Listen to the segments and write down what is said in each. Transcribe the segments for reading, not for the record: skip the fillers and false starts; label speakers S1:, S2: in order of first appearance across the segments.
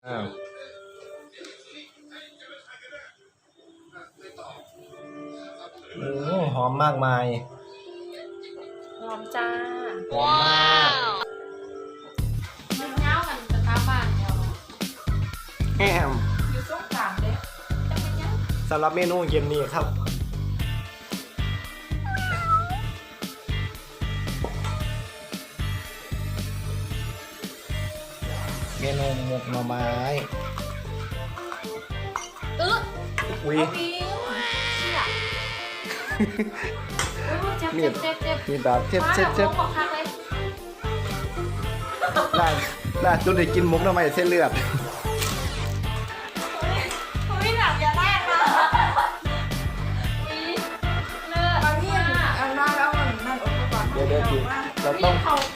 S1: อ้าวโอ้หอมมากมาย
S2: หอมจ้า
S1: หอมมาก
S2: มันเงากันจะตามบ้านเดียว
S1: แฮม
S2: อยู่ช่วงกลางเลยจะเป็นยัง
S1: สำหรับเมนูเย็นนี้ครับเมนูหมกหน่อไม้อุ้ย
S2: เชี่ยเจ็บ
S1: มีดาบเจ็บล่าจุดได้กินหมกหน่อไม้เส้นเลือด
S2: ไม่หนักอย่าแรกนะเลิศ
S3: อันนี้อันนั้นแล้วมันนั่นอุปกรณ์
S1: เดี๋ยวทีเราต้อง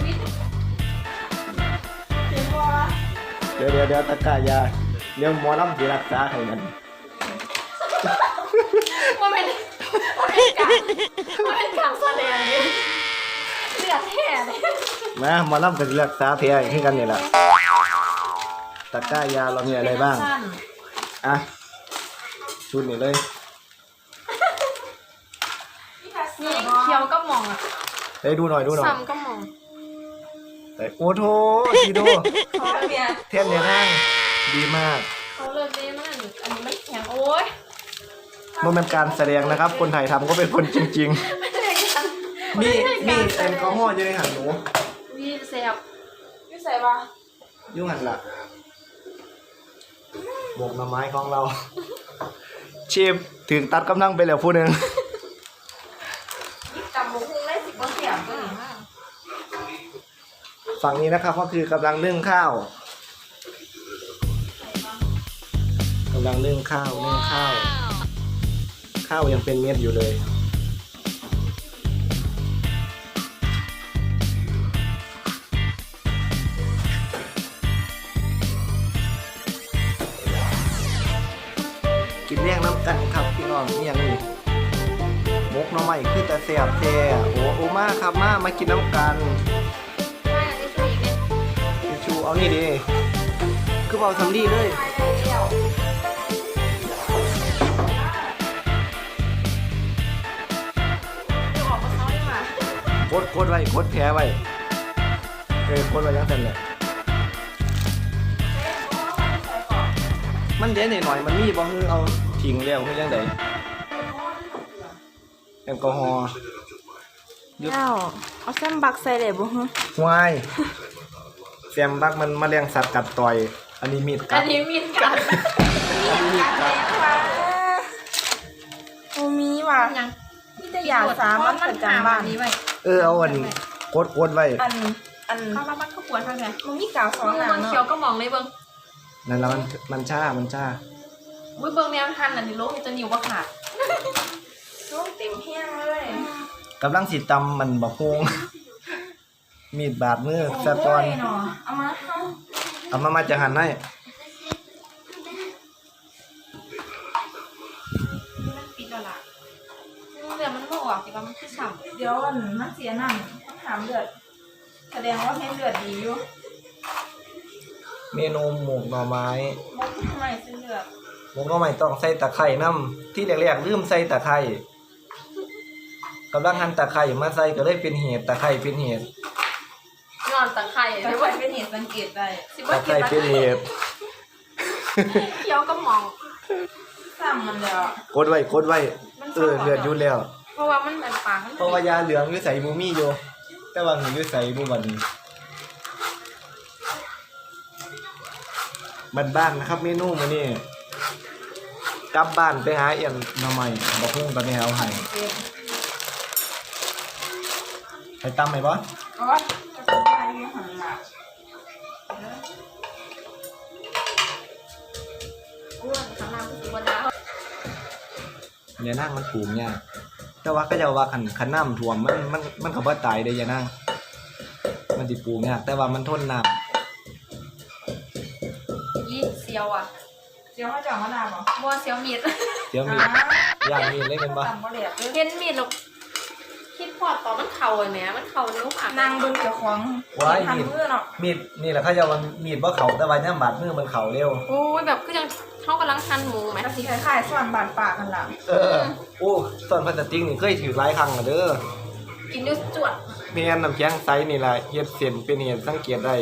S1: เดี๋ยวตะกายาเรื่องหมอลำที่รักษาให้มัน
S2: มันเป็นการแสดงเลยเลือดแท้เลย
S1: มาหมอลำกับรักษาแผลให้กันนี่แหละตะกายาเรามีอะไรบ้างอ่ะชุดนี้เลย
S2: นี่เคี้ยวก็มองอ่ะ
S1: ได้ดูหน่อย
S2: ซ้ำก็มอง
S1: แต่โอ้โหทีโดเทียนเนี่ยนั่งดีมาก
S2: เขาเลิศดีมากอันนี้มันแข็งโอ้ย
S1: มันเป็นการแสดงนะครับคนไทยทำก็เป็นคนจริงๆนี่แอลกอฮอล์อยู่ในหันหนู
S2: นี่แซ่บ
S3: นี่ใส่ปะ
S1: ยุ่งหันละหมกหน่อไม้ของเราเชฟถึงตัดกำลังไปแล้วผู้หนึ่ง
S3: จำมุกได้10 เสียงก็ดีมาก
S1: ฝั่งนี้นะครับก็คือกำลังนึ่งข้าวข้าวยังเป็นเม็ดอยู่เลยกินเลี้ยงน้ำกันครับพี่น้องนี่ยังนี่มกหน่อไม้คือแต่แซ่บแท้โอ้มาครับมากินน้ำกันชูเอานี่ดิคือเอาสำลีเลยโคตรไว้โคตรแพ้ไว้โคตรไว้ยังเสร็จเลยมันเดี๋ยวหน่อยมันมีบ่คือเอาทิ้งแล้วคือยังไงแอลกอฮอล์
S3: เอาแซมบักใส่เลยบ่ฮะ
S1: วายแซมบักมันแมลงสัตว์กัดต่อยอันนี้มีดกัด
S3: โอ้มีว่ะนี่จะอยากสามันประจำบ้านนี้ไว้
S1: เอาอันโคตรไว้
S3: อัน
S2: ข้าวบ้านข้าวปวดทางไหน
S3: มันมีกาว2หน้า
S2: เนาะเขียวก็มองเลยเบิ่ง
S1: นั่นแล้วมันช้า
S2: อุ้ยเบิ่งแนวทันอันนี้โลกจะนิ้วบ่ขาด
S3: ลูกเต็มเฮี้ยงเลย
S1: กำลังสิตำมันบักฮวงมีดบาดมือสะตอนเอามาจะหั่นให้
S2: ปิดแล้วล่ะเดี๋ยวมันบ่ออกสิว่ามันคือสั่ง
S3: เดี๋ยวมันเสียนั่นถามเลือดแสดงว่าเห็นเลือดดีอยู่
S1: เมนูหมกหน่อไม้
S3: หมกหน่อไม้เส้นเลือด
S1: หมกหน่อไม้ต้องใส่ตะไคร่น้ำที่แรกๆลืมใส่ตะไคร่กำลังหั่นตะไคร่มาใส่ก็เลยเป็นเหตุตะไคร่เป็นเหตุ
S2: นอนตะไคร่
S3: ตะไคร่เป็นเหตุสังเกตได้
S1: ตะไคร่เป็นเหตุ
S2: เคี้ยวก็มอง
S3: ซ้ำมันแล้ว
S1: กดไว้เลือดอยู่แล้ว
S2: เพราะว่ามันเป็นปาก
S1: เพราะว่ายาเหลืองอยู่ใส่มูมี่อยู่แต่ว่าหนูอยู่ใส่บูบันบ้านนะครับเมนูมื้อนี้กลับบ้านไปหาเอี่ยมมาใหม่บอกพุ่งตอนนี้เอาให้ตำไหมบอสเนี่ยนั่งมันปลูกเนี่ยแต่ว่าก็จะว่าขันน้ำท่วมมันก็บ่ตายเด้ยานั่งมันสิปลูกเนี่ยแต่ว่ามันทนน้ำ
S2: เสียวอ่ะ
S3: เสียวเขาจะมะนาวเหรอ
S2: บัวเสียวมีด
S1: อย่างมีดเล่นกันปะ
S2: เห็นมีดหรอกคิดพออดต่อมันเข่าเลยแหมมันเข่านุ่มอ่ะ
S3: นางเบิ่งเจ้าของ
S1: ว้าย
S3: ทำมือเนาะ
S1: มีดนี่แหละเขาจะว่ามีดบ่เขาแต่ว่าเนี่ยบาดมือมันเขาเร็ว
S2: โอ้ยแบบก็ยังเขากำลังหั่นหมูไหม
S3: กะสิคล้ายๆส่วนบาดปากกันล่ะ
S1: โอ้ส่วนพลาสติกนี่เคยถือหลายครั้งแล้วเด้อ
S2: กินด้วยจวด
S1: แม่นน้ำแข็งใสนี่ล่ะเฮ็ดเส้นเป็นเหตุสังเกตได้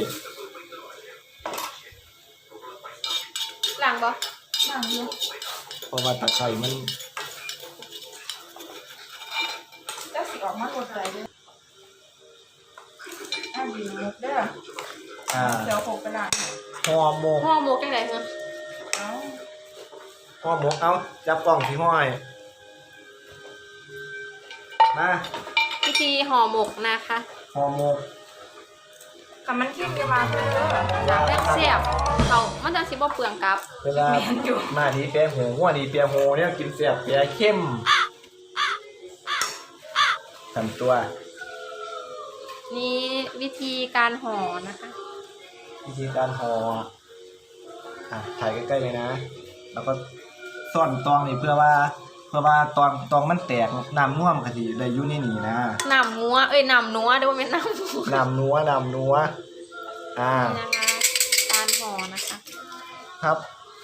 S2: หลังบ่
S3: นางอยู่
S1: เพราะว่าตะไคร้มัน
S3: เจ้าสิออกมาตัวใจเด้อดีมุกเด้อ เดี๋ยว6ไปล้าง
S1: ห่อหมก
S2: ห่อหมกจังได๋ฮะ
S3: เอ้า
S1: ห่อหมกเอาจับกล่องสิห้อยมา
S2: วิธีห่อหมกนะคะ
S1: ห่อหมก
S3: กับมันเข้มจะมาเด้อ
S2: แซ่บๆเขามันจังสิบ่เปลืองกับ
S1: เวลามาดีแปรหูหัวดีแปรหูเนี่ยกินแซ่บแปรเข้มทำตัว
S2: นี่วิธีการห่อนะคะ
S1: วิธีการห่อถ่ายใกล้ๆเลยนะ แล้วก็ซ่อนตองนี่เพื่อว่าตองมันแตกน้ำน่วมกะทิได้อยู่ในนี่นะ
S2: น้ำงัวน้ำนัวเดี๋ยวเป็นน้ำนัว
S1: น้ำนัว
S2: นี่นะคะการห่อนะคะ
S1: ครับ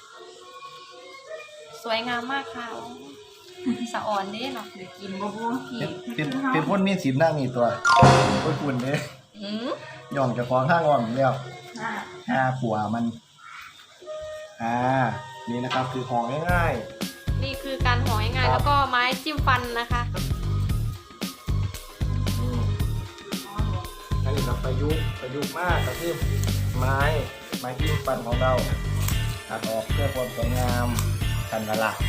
S2: สวยงามมากค่ะสะอ่อนเด้เนาะเดี๋ยวกินบ่บ่พี่
S1: เป็นคนมีศีลนั่งนี่ตัวคนคุณเด้
S2: อืม
S1: ย่องจะฟ้องข้างอ่อนแล้ว
S3: อ่า
S1: ขัวมันนี่นะครับคือห่อง่าย
S2: นี่คือการห่อง่ายๆแล้วก็ไม้จิ้มฟันนะคะ
S1: ๆอันนี้แบบประยุกต์มากก็คือไม้จิ้มฟันของเราตัดออกเพื่อความสวยงามกันละล่ะ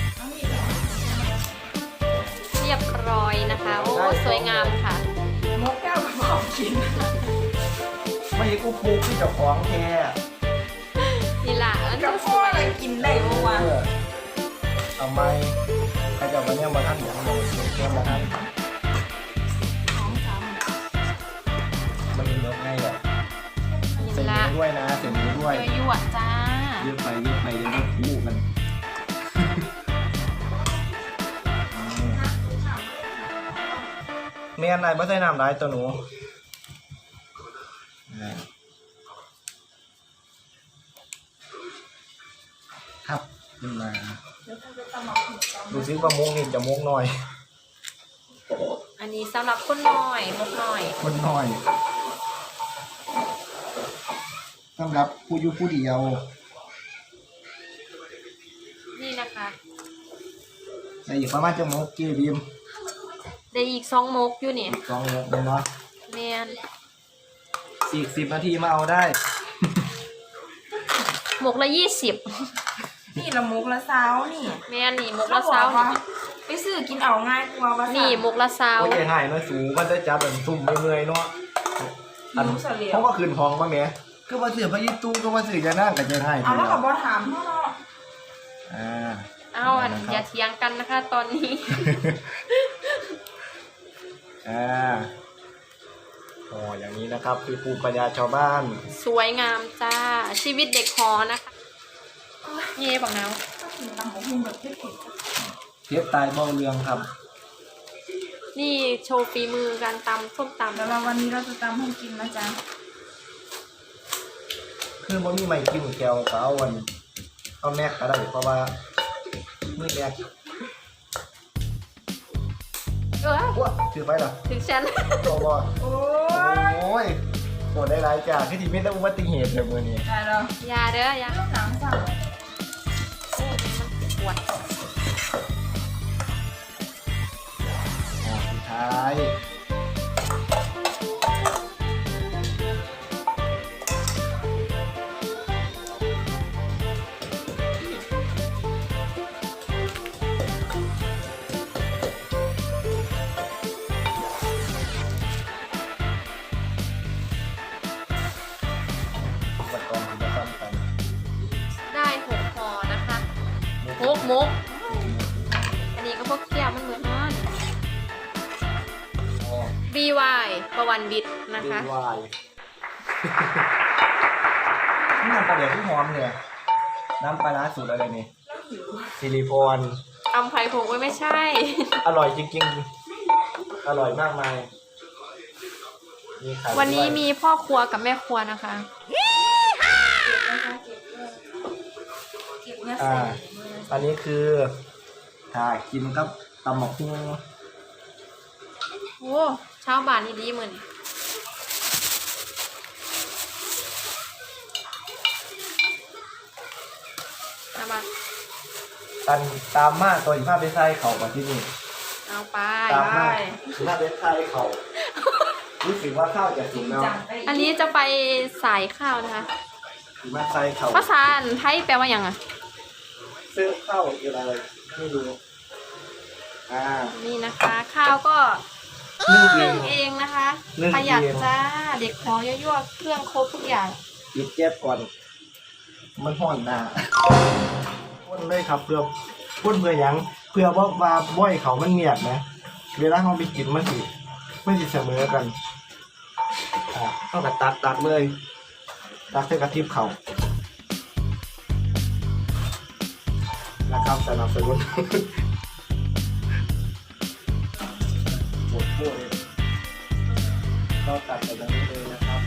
S2: เรียบร้อยนะคะโอ้สวยงามค่ะ
S3: มกแก้วกับของกิน
S1: ไม่ใช่กูปลูกที่เจ้าของแท้
S2: นี่ล่ะมัน
S3: กั
S2: จะ
S3: บ
S2: ส
S3: พ่อ
S2: วย
S3: อะไรกินได้บ่วะ
S1: เอาไม้ใครจะมาเนี่ยมาท่านอย่างเราเนี่ยมาท่านมันเลิกง่ายแหละเสร็จ
S2: นี่ละ
S1: นี้ด้วยนะเสร็จนี้ด้วย
S2: ยั่วๆจ้า
S1: ยืดไปเดี๋ยวก็คู่กันเมียนไหนไม่ใส่น้ำร้ายตัวหนูครับขึ้นมาดูซิว่ามุกนี่จะมุกหน่อย
S2: อันนี้สำหรับคนน้อยมกน้อย
S1: คนหน่อยสำหรับผู้อยู่ผู้เดียว
S2: นี่นะคะ
S1: ในอีกประมาณจะมุกกี่บีม
S2: ได้อีก2มกอยู่นี่
S1: สองมุกเลยเนาะ
S2: แมน
S1: อีก10 นาทีมาเอาได้
S2: มกละ20
S3: นี่ละมุกละเช้านี่
S2: แมนนี่มกละเซา
S3: ไปซื้อกินเอาง่ายกว่าว่า
S2: นี่มกละเซา
S1: โอ้ยหายน้อยสูงมันได้จับแบบซุ่มเมื่อยๆเนาะ
S3: หิวเสลียว
S1: เขาก็คืนทองมาแม่ก็มาซื้อพระยิตู้ก็มาซื้อจะนั่งกับจะให้
S3: เอาแล้วก็บ่ถามเฮาเนาะ
S2: เอาอย่าเถียงกันนะคะ ตอนนี้
S1: อย่างนี้นะครับคือภูมิปัญญาชาวบ้าน
S2: สวยงามจ้าชีวิตเด็กหอนะคะเย่บักน้าว
S3: ก็กินตำบักหุ่งแบบเผ็ด
S1: เทียบตายเบ้าเรืองครับ
S2: นี่โชว์ฝีมือการตำส้ม
S3: ๆ
S2: ตำ
S3: แล้วเราวันนี้เราจะตำให้กินนะจ๊ะ
S1: คือบ่มีไม้กิ้มแก้วก็เอาเอาแม็กก็ได้เพราะว่ามีแม็ก ว้าถือไปเหรอ
S2: ถึงฉัน
S1: โอ้โห
S3: โอ้
S1: โอ้ยปวดได้หลายจากที่ที่ไม่ได้อุบัติเหตุแบบมือนี้
S3: ได้แล้ว
S2: อยาเด้ออยา
S3: เรื่องหนังสั่ง
S2: โอ้มันปวด
S1: สุดท้ายอุปกรณ์ที่จะทำกัน
S2: ได้6ห่อนะคะ6มกอันนี้ก็พวกเคี่ยวมันเหมือนนั่น
S1: อ๋อ
S2: BY ประวันวิทย์นะคะ
S1: ดีวายนี่น้ำปลาเดี๋ยวที่หอมเนี่ยน้ำปลาร้าสูตรอะไรนี่ซิลิโคน
S2: ตำไผ่ผงไว้ไม่ใช่
S1: อร่อยจริงๆ อร่อยมากมายมีไข่
S2: วันนี้
S1: ด้วย
S2: มีพ่อครัวกับแม่ครัวนะคะ
S3: เก็บเนื้อ
S1: อ่า
S3: ใส่
S1: อันนี้คือถ้ากินกับตำหมกหุ้ง
S2: โอ้เช้าบ่านนี่ดีเหมือนเอามา
S1: ตันตามมาตัวอีกภาพเป็นไส้เข่ามาที่นี่
S2: เอาไป
S1: ตามมาอีกภาพเป็นไส้เข่ารู้สึกว่าข้าวจะสุกแล้ว
S3: จังไป
S2: อันนี้จะไปสายข้าวนะคะ
S1: อีกมาไส้เข่า
S2: ภาษาไทยแปลว่าอย่างอ่ะ
S1: ซึ่งข้าวคืออะไรไม่รู้อ่า
S2: นี่นะคะ ข้าวก็
S1: นึ่งเอ
S2: นึ่
S1: ง
S2: งเองนะคะ
S1: นึ่งเอง
S2: ประหยัดจ้า เด็กหอยั่วๆเครื่องครบทุกอย่าง
S1: ปิดแก๊สก่อน มันห่อนหน้าพ่นเลยครับเพื่อพ่นเพื่อหยังเพื่อว่าบ่อยเขามันเงียบนะเวลาเราไปกินมันสิเสมอกันเข้ากับตักเลยตักให้กระทิบเขานะครับสนับสนุนหมดพูดเลยก็ตัดไปแบบนี้เลยนะครับ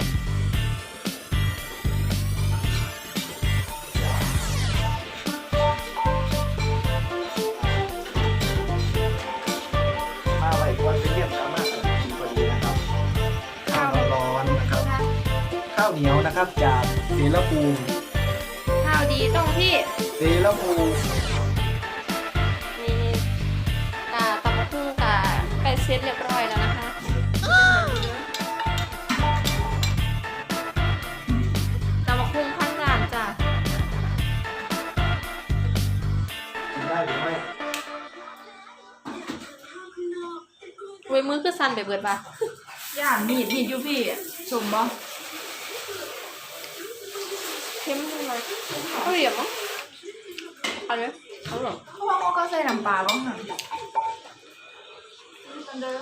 S1: มาไหวกวนเรียบสามารถกินพอดีนะครับข้าวร้อนๆนะครับ ข้าวเหนียวนะครับจากเสรภูมิ
S2: ข้าวดีต้องที่
S1: เสรภูมิ
S2: มีตำมะพุ้งกับไก่เซตเรียบร้อยแล้วนะคะตำมะพุ้งข้างจานจ้ะ
S1: กินได้หรือไม่
S2: เว้ยมือคือสั่นไปเบิดปะ
S3: ย่างมีดอยู่พี่ชมบ่
S2: เข้มเลยเอาเหลี่ยมมั้งเอาเลยเอาหรอ
S3: เพราะว่าเขาก็ใส่น้ำปลาบ้างหันกันเด้อ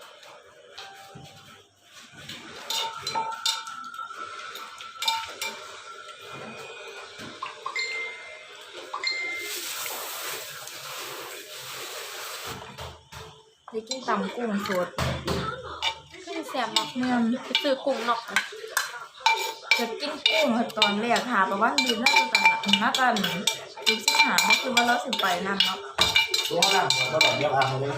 S3: ได้กินตำกุ้งสด
S2: ขึ้นแสบมาก
S3: เมือง
S2: ไปซื้อกุ้งนอกอะ
S3: จะกินกุ้งตอนแรกหาประวันดีน่าจะดูสิหาก็คือว่าเราสิไปนั่นเนาะ
S1: ตัวหน้าหัวก็แบบเรียบอ่างเลย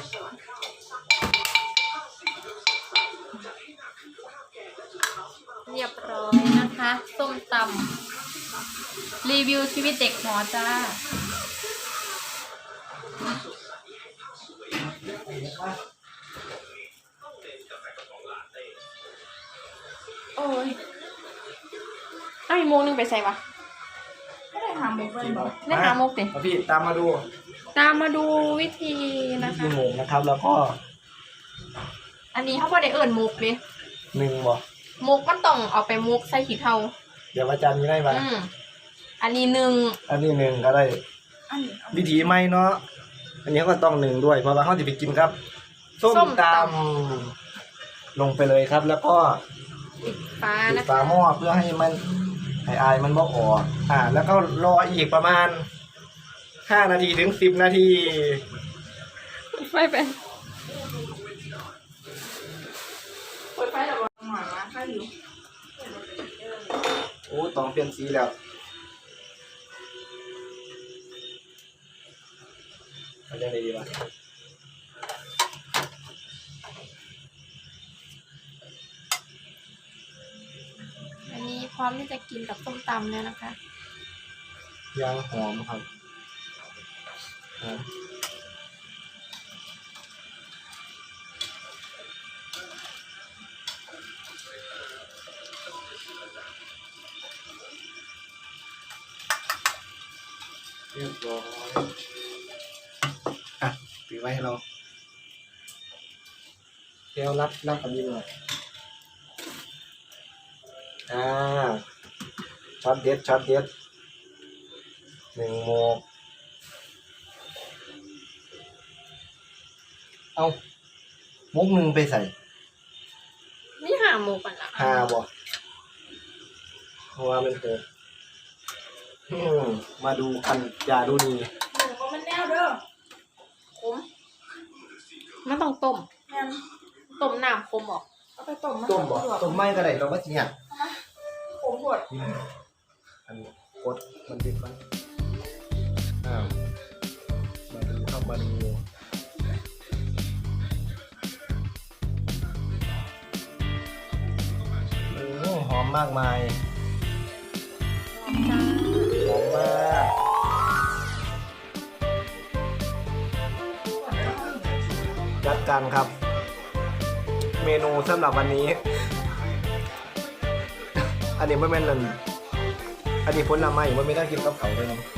S2: เรียบร้อยนะคะส้มตำรีวิวชีวิตเด็กหอจ้าโอ้ยอ้าวอีกโมงนึงไปใส่ปะ
S3: ไม่ได้หาหมูเลยบอก
S2: ได้หาโมกสิ
S1: พี่ตามมาดู
S2: ตามมาดูวิธีนะคะ
S1: ที่หมูนะครับ แล้วก็
S2: อันนี้เขาบอกได้เอิ่นมุกเลย
S1: หนึ่งบ่
S2: มุกมันต้องเอาไปมุกใส่ขี้เทา
S1: เดี๋ยวอาจารย์มีได้ไหม
S2: อันนี้หนึ่ง
S1: อันนี้หนึ่งก็ได้
S3: อันนี้
S1: วิธีไม่เนาะอันนี้ก็ต้องหนึ่งด้วยเพราะว่าเขาจะไปกินครับส้มตำลงไปเลยครับ แล้วก็
S2: ปิดฟ้า
S1: ปิด
S2: นะ
S1: ฝา
S2: คะ
S1: หม้อเพื่อให้มันให้อายมันบ่ออกแล้วก็รออีกประมาณ5 นาทีถึง 10 นาที
S2: ไฟไปเปิดไฟหรอ
S3: หน่อยนะข้าวอยู่
S1: โอ้ต้องเปลี่ยนสีแล้วเอาจะได้ดีวะ
S2: อันนี้พร้อมที่จะกินกับส้มตำแล้วนะคะ
S1: ยางหอมครับหอมเรียบร้อยถือไว้ให้เราเดี๋ยวรับกับนี้หน่อยช็อตเด็ด1 โมงเอามุกหนึ่งไปใส่
S2: ไม่หาหมูก่อนละ
S1: 5บ่เพราะว่ามันเกิดมาดูกันอย่าดูนี่
S3: หมูก็มันแนวเด้อ
S2: ขมมันต้องต้ม
S3: แม่น
S2: ต้มน้ำขมออก
S3: เอาไปต้ม
S1: ต้มบ่ต้มไม่ก็ได้เราก็สิเนี่ย
S3: ผมปวด
S1: อันนี้กดมันติดมันมาดูครับมาดูโอ้หอมมากมายหอมมากจัดการครับ เมนูสำหรับวันนี้ อันนี้ไม่แม่นเลยอันนี้ผลไม้มันไม่ได้กินกับเขาเลยนะ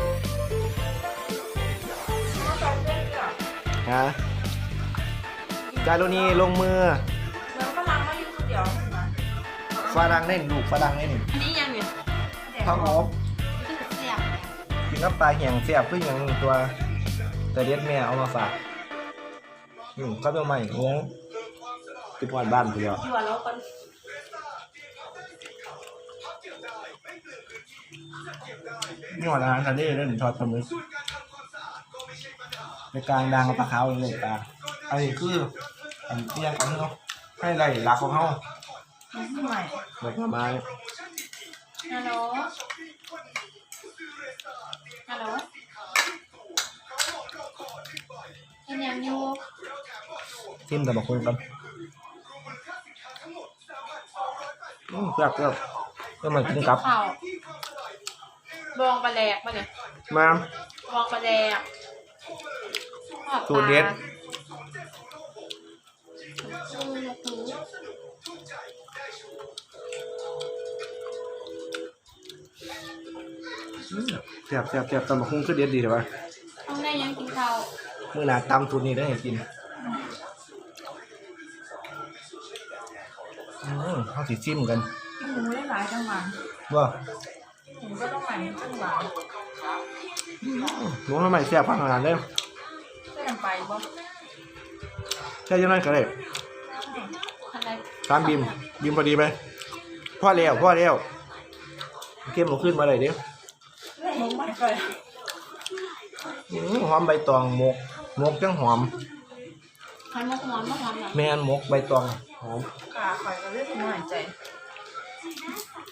S1: ฮะจารุณีลงมือ
S3: แล้วก็ล้างมาอยู่คนเดียวนะ
S1: ฝรั่งเล่นลูกฝรั่งเล่น
S2: อันนี้ยังอยู่
S1: ข้าวหอม
S2: ที่เสียบ
S1: กินกับปลาแห้งเสียบเพื่ออย่างตัวแต่เด็ดแม่เอามาฝากก็เป็นใหม่เนี้ยติดวันบ้านเดียว
S3: อยู่แล้วคน
S1: นี่หอดอาหารทะเลเล่นทอดปลาหมึกในกลางดังกับปลาขาวเลยปลาอันนี้คืออันเตี้ยของเขาให้ไรรักของเขา
S3: ใหม่
S1: ดอกไม้
S2: ฮัลโหลฮัลโหลเป็นยังอยู่
S1: ทิมแต่บอกคนกันแซ่บก็มากินกับ
S2: ข้าวบองปลาแดกมาเนี่ย
S1: มา
S2: บองปลาแดกทอปลา
S1: สูตรเด็ด แซ่บตำบักหุ่งคือเด็ดดีเถอะวะ
S2: ต้องได้ยังกินข้าว
S1: มื้อหน้าตำสูตรนี้ได้ให้กินเขาสิซิมกัน
S3: กินหมูได้หลายจังหวะ
S1: ว่า
S3: หมูก็ต้องใหม่จังหวะ
S1: หมูทำไมแซ่บขนาดนั้น
S3: ก็ยังไปบ่
S1: ใช่ยังไงก็ได้
S2: อะไร
S1: ตามบิมพอดีไหมพ่อแล้วเข้มหมูขึ้นมาเลยเดี๋ยว
S3: หมูใหม่ไป
S1: หอมใบตองหมกจังหอม
S2: ใครมกหอมมกหอมเหรอ
S1: แม่นหมกใบตองหอม
S3: ขาคอยก็เลือดหน่อยใจ